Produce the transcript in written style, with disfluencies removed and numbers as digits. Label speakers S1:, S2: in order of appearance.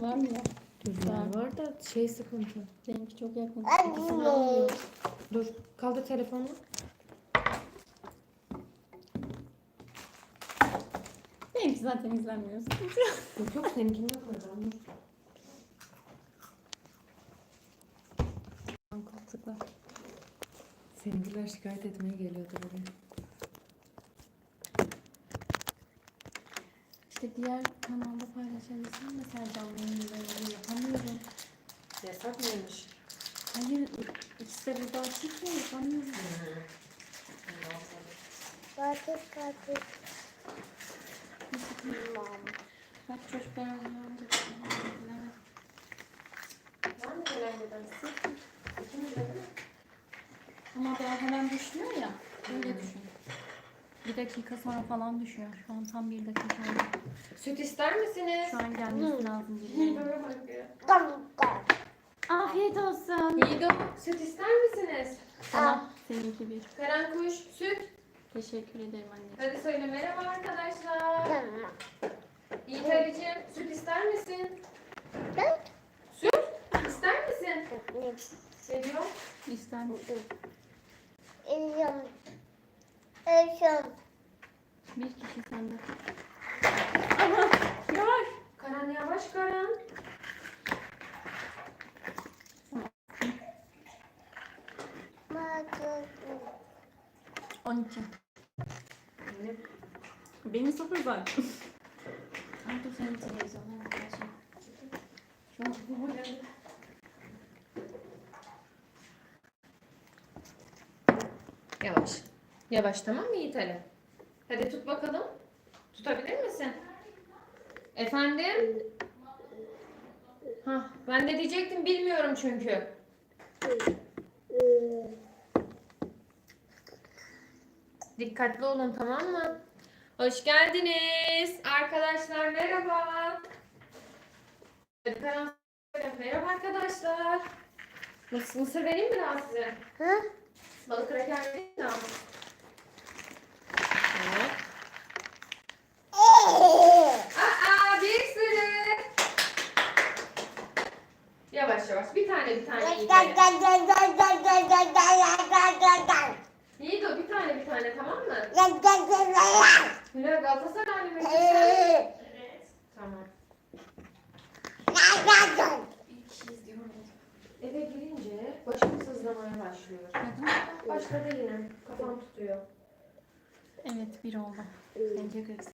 S1: Var mı ya?
S2: Rüzgar var da şey sıkıntı.
S1: Benimki çok yakın. İkisini almıyor.
S2: Dur kaldır telefonunu.
S1: Benimki zaten izlenmiyor.
S2: Yok yok seninkinde koyacağım. Dur.
S1: Koltuklar.
S2: Seninkiler şikayet etmeye geliyordu buraya.
S1: İşte diğer kanalda paylaşabilsem mesela canlı yayınlarını yapamıyorum.
S2: Yasak mıymış?
S1: Hayır, ikisi de burada açık ya yapamıyorum.
S3: Kaçık.
S1: Bak çocuklar öğrendi.
S2: Var mı gelen giden? İkimiz de değil mi?
S1: Ama daha hemen düşmüyor ya. Öyle düşün. Bir dakika sonra falan düşüyor. Şu an tam bir dakika oldu.
S2: Süt ister misiniz?
S1: Şu an gelmesi lazım.
S2: Yiğido'ya bak ya.
S1: Afiyet olsun.
S2: Yiğido süt ister misiniz?
S1: Sana seninki bir.
S2: Karen kuş süt.
S1: Teşekkür ederim anneciğim.
S2: Hadi söyle merhaba arkadaşlar. Yiğit Ali'cim süt ister misin? Süt ister misin? Ne diyor?
S1: İster misin? Bir kişi sende.
S2: Yavaş. Karan yavaş Karan.
S3: Bakın.
S1: 12. Benim 0 zaten. Ay dur senin televizyonuna bakacağım. Şu an bu geldi.
S2: Yavaş. Yavaş tamam mı Yiğit Ali? Hadi tut bakalım. Tutabilir misin? Efendim? Hah, ben de diyecektim bilmiyorum çünkü. Dikkatli olun tamam mı? Hoş geldiniz. Arkadaşlar merhaba. Hadi Karan söyle. Merhaba arkadaşlar. Mısır vereyim mi daha size? Balık kraker vereyim mi daha? Evet. Aa bir sürü. Yavaş yavaş. Bir tane Yiğit Ali. Yiğit o bir tane tamam mı? Hülya Galatasaraylı mı? Evet. Tamam. Eve girince başım sızlamaya başlıyor. Başladı yine. Kafam tutuyor.
S1: Evet 1 oldu. Bence 40.